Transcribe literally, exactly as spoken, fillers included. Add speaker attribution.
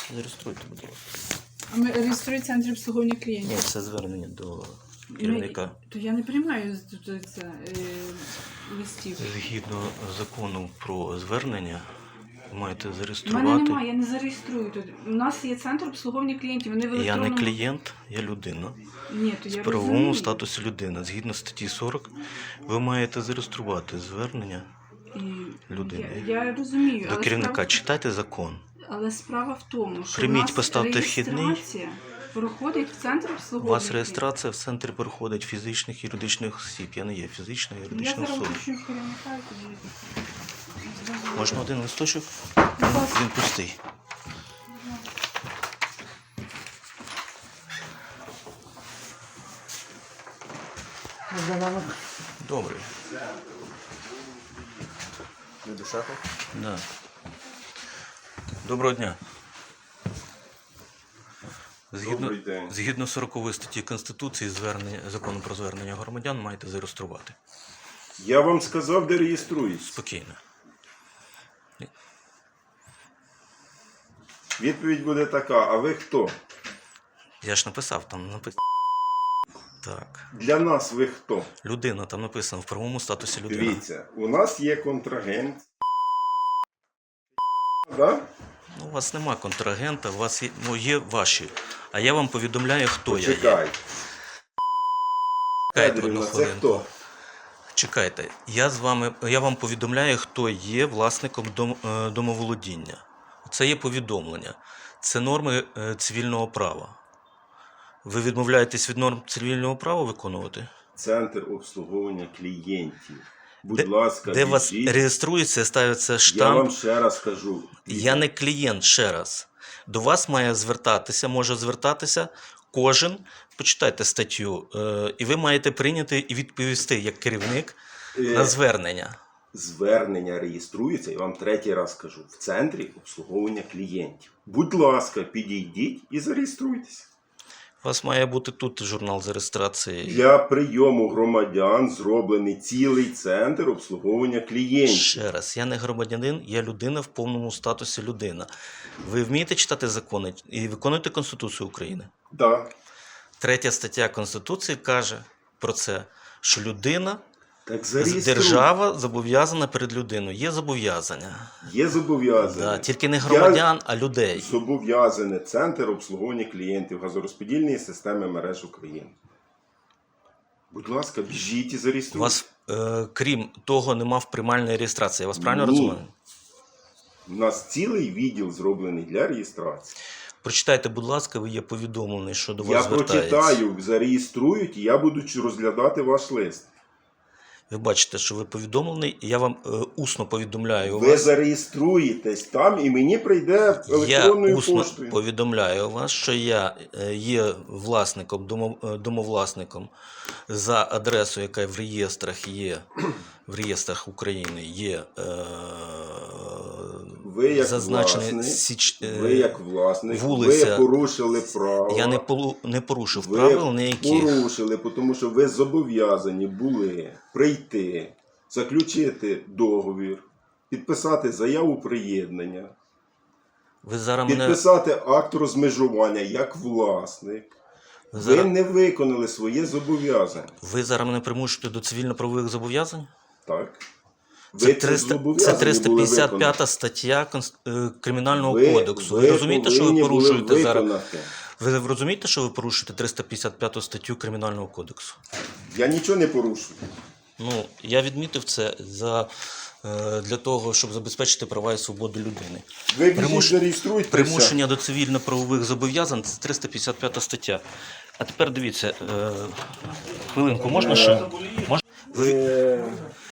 Speaker 1: Зареєструйте, будь ласка.
Speaker 2: А ми реєструє центр обслуговування клієнтів.
Speaker 1: Ні, це звернення до керівника.
Speaker 2: Ми- То я не приймаю з- з- це, е, листів.
Speaker 1: Згідно закону про звернення, ви маєте
Speaker 2: У мене
Speaker 1: зареєструвати.
Speaker 2: немає, я не зареєструю тут. У нас є центр обслуговування клієнтів. Вони в
Speaker 1: Я не
Speaker 2: електронному...
Speaker 1: клієнт, я людина.
Speaker 2: Ні, то
Speaker 1: В
Speaker 2: я
Speaker 1: правовому
Speaker 2: розумію.
Speaker 1: статусі людина. Згідно статті сорок, ви маєте зареєструвати звернення
Speaker 2: І
Speaker 1: людини.
Speaker 2: Я, я розумію,
Speaker 1: до
Speaker 2: але
Speaker 1: керівника.
Speaker 2: справа,
Speaker 1: Читайте закон.
Speaker 2: але справа в тому, що
Speaker 1: Прийміть,
Speaker 2: в нас
Speaker 1: поставте вхідний.
Speaker 2: реєстрація проходить в центр
Speaker 1: У
Speaker 2: обслуговування.
Speaker 1: вас реєстрація в центрі проходить фізичних і юридичних осіб. Я не є фізичною і
Speaker 2: клієнтів. Я
Speaker 1: юридичною
Speaker 2: зараз
Speaker 1: особою.
Speaker 2: пишу керівника і тоді.
Speaker 1: Можна один листочок?
Speaker 2: Будь ласка.
Speaker 1: Він пустий. Добре.
Speaker 3: Не дишати?
Speaker 1: Да. Доброго дня. Згідно,
Speaker 3: Добрий день.
Speaker 1: згідно сорокової статті Конституції звернення, закону про звернення громадян маєте зареєструвати.
Speaker 3: Я вам сказав, де реєструюсь.
Speaker 1: Спокійно.
Speaker 3: Відповідь буде така, а ви хто?
Speaker 1: Я ж написав, там написано. Так.
Speaker 3: Для нас ви хто?
Speaker 1: Людина, там написано в правовому статусі людина.
Speaker 3: Дивіться, у нас є контрагент. Да?
Speaker 1: Ну, у вас нема контрагента, у вас є, ну, є ваші. А я вам повідомляю, хто я є.
Speaker 3: Чекай.
Speaker 1: Чекайте одну
Speaker 3: Федорівна, це
Speaker 1: хвилинку.
Speaker 3: хто?
Speaker 1: Чекайте, я з вами, я вам повідомляю, хто є власником дом, е, домоволодіння. Це є повідомлення. Це норми е, цивільного права. Ви відмовляєтесь від норм цивільного права виконувати?
Speaker 3: Центр обслуговування клієнтів. Будь
Speaker 1: Де,
Speaker 3: ласка,
Speaker 1: де вас
Speaker 3: біжіть.
Speaker 1: реєструється, ставиться
Speaker 3: Я
Speaker 1: штамп.
Speaker 3: вам ще раз кажу.
Speaker 1: Я не клієнт, ще раз. До вас має звертатися, може звертатися кожен, почитайте статтю, е, і ви маєте прийняти і відповісти як керівник
Speaker 3: Е,
Speaker 1: на звернення.
Speaker 3: Звернення реєструється, я вам третій раз кажу, в центрі обслуговування клієнтів. Будь ласка, підійдіть і зареєструйтесь.
Speaker 1: У вас має бути тут журнал з реєстрації.
Speaker 3: Для прийому громадян зроблений цілий центр обслуговування клієнтів.
Speaker 1: Ще раз, я не громадянин, я людина в повному статусі людина. Ви вмієте читати закони і виконуєте Конституцію України?
Speaker 3: Так.
Speaker 1: Третя стаття Конституції каже про це, що людина,
Speaker 3: Так зареєструйте.
Speaker 1: держава зобов'язана перед людиною. Є зобов'язання.
Speaker 3: Є зобов'язання.
Speaker 1: Да, тільки не громадян, а людей.
Speaker 3: Зобов'язане Центр обслуговування клієнтів газорозподільної системи мереж України. Будь ласка, біжіть і
Speaker 1: У
Speaker 3: зареєструйте.
Speaker 1: вас, е, крім того, нема в приймальної реєстрації. Я вас правильно
Speaker 3: Ні.
Speaker 1: розумію?
Speaker 3: У нас цілий відділ зроблений для реєстрації.
Speaker 1: Прочитайте, будь ласка, ви є повідомлений, що до
Speaker 3: Я
Speaker 1: вас звертається.
Speaker 3: прочитаю, зареєструють, і я буду розглядати ваш лист.
Speaker 1: Ви бачите, що ви повідомлений, і я вам е, усно повідомляю
Speaker 3: Ви
Speaker 1: вас.
Speaker 3: зареєструєтесь там, і мені прийде
Speaker 1: Я
Speaker 3: електронною
Speaker 1: усно
Speaker 3: поштою.
Speaker 1: повідомляю вас, що я е, є власником, домо- е, домовласником за адресою, яка в реєстрах є, в реєстрах України є е,
Speaker 3: Ви як
Speaker 1: зазначений
Speaker 3: власник,
Speaker 1: січ, е,
Speaker 3: Ви як власник,
Speaker 1: вулиця.
Speaker 3: ви порушили право.
Speaker 1: Я не, полу, не порушив
Speaker 3: ви
Speaker 1: правил ніяких.
Speaker 3: порушили, тому що ви зобов'язані були прийти, заключити договір, підписати заяву приєднання,
Speaker 1: Ви зараз мене...
Speaker 3: підписати акт розмежування як власник.
Speaker 1: Ви
Speaker 3: Ви
Speaker 1: зараз,
Speaker 3: не виконали своє зобов'язання.
Speaker 1: ви зараз мене примушуєте до цивільно-правових зобов'язань?
Speaker 3: Так?
Speaker 1: Це,
Speaker 3: Ви
Speaker 1: триста, це
Speaker 3: зобов'язані
Speaker 1: триста
Speaker 3: були
Speaker 1: п'ятдесят
Speaker 3: виконати.
Speaker 1: п'ята стаття Конс- е, Кримінального
Speaker 3: Ви-
Speaker 1: кодексу. Ви, розумієте, що ви
Speaker 3: повинні були
Speaker 1: порушуєте зараз?
Speaker 3: виконати.
Speaker 1: Ви розумієте, що ви порушуєте триста п'ятдесят п'яту статтю Кримінального кодексу?
Speaker 3: Я нічого не порушую.
Speaker 1: Ну, я відмітив це за, е, для того, щоб забезпечити права і свободу людини.
Speaker 3: Ви біжіть,
Speaker 1: Примуш-
Speaker 3: зареєструйтеся.
Speaker 1: Примушення до цивільно-правових зобов'язань – це триста п'ятдесят п'ята стаття. А тепер дивіться, е, хвилинку, можна ще? Можна? Ви,
Speaker 3: Е,